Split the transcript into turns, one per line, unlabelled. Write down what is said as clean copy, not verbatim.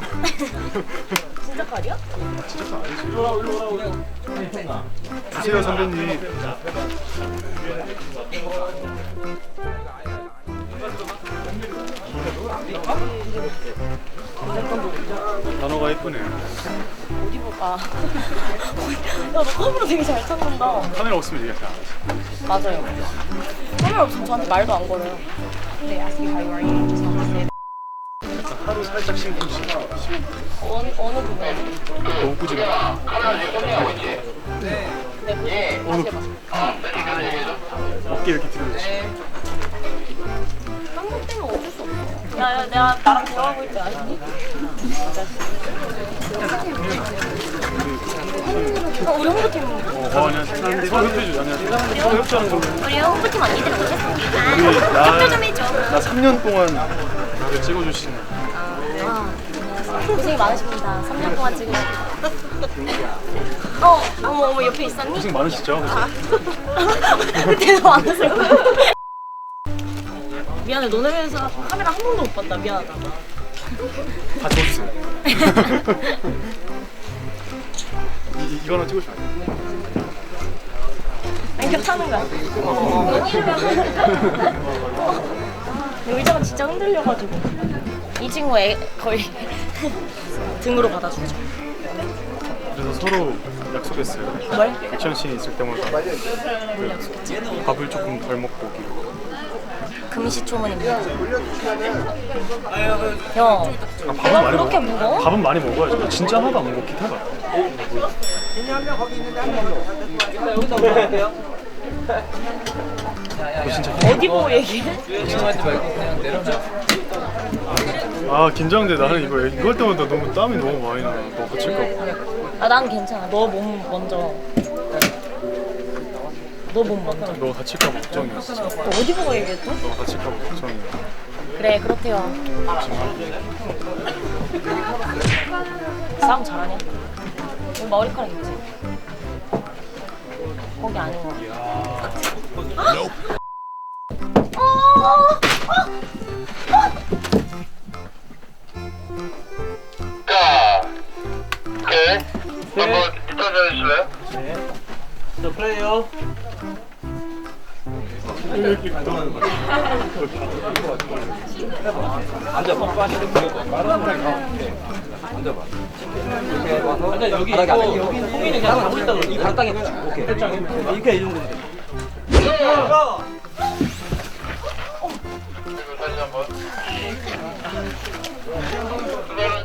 진짜 칼이야?
진짜 칼 아니지. 주세요 선배님. 단어가 예쁘네.
어디 볼까? 야, 너 컵으로 되게 잘 찾는다.
카메라 없으면 얘기 안 하지.
맞아요. 카메라 없으면 저한테 말도 안 걸어요. 네, 아스키 하이와이.
약간 하루 살짝 심쿵심.
어느 부분에?
너무 꾸지 마.
네,
어느
다시 해봐.
어깨 이렇게 들어야지.
한국 때는 어쩔 수 없어. 야, 내가 나랑 대화하고 있지 않니? 우리 홍보팀.
안녕하세요. 서로 협조해주죠. 안녕하세요. 서로 협조하는 걸로.
우리 홍보팀 언니들은 오셨습니다.
우리
협조 좀 해줘.
나 3년 동안 나를 찍어주시는.
고생이 많으십니다. 3년 동안 찍으시고. 어머, 옆에 있었니?
고생 많으시죠?
그때도 많으세요. 미안해, 너네 회사 카메라 한 번도 못 봤다. 미안하다.
다 줘주세요. 이거 하나 찍어주면 안 돼요?
아니, 괜찮은 거야. 의자가 진짜 흔들려가지고. 이 친구 거의 등으로 받아주죠.
그래서 서로 약속했어요.
뭘?
액션 씬이 있을 때마다
뭘 약속했지?
밥을 조금 덜 먹고 오기로.
금시초문입니다. 형,
밥은 많이
그렇게
먹어.
무거워?
밥은 많이 먹어야지. 나 진짜 하나도 안 먹어. 기타가. 너 진짜
어디 보고 얘기해?
아 긴장돼. 나는 이걸 때마다 너무 땀이 너무 많이 나. 너 다칠까 봐.
난 괜찮아. 너 몸 먼저. 너 몸 먼저.
너 다칠까 봐 걱정이었어.
너 어디 보고 얘기했어?
너 다칠까 봐 걱정이야.
그래, 그렇대요. 싸움 잘하냐? 여기 머리카락 있지? 거기 아닌 거.
네. 한번 인터뷰 해주실래요?
저 플레이어. 앉아봐. 앉아봐. 앉아. 여기 송이는 그냥 가고 있다고. 이 바닥에 오케이. 이렇게 이 정도면 돼.
그리고 다시 한번. 두 발은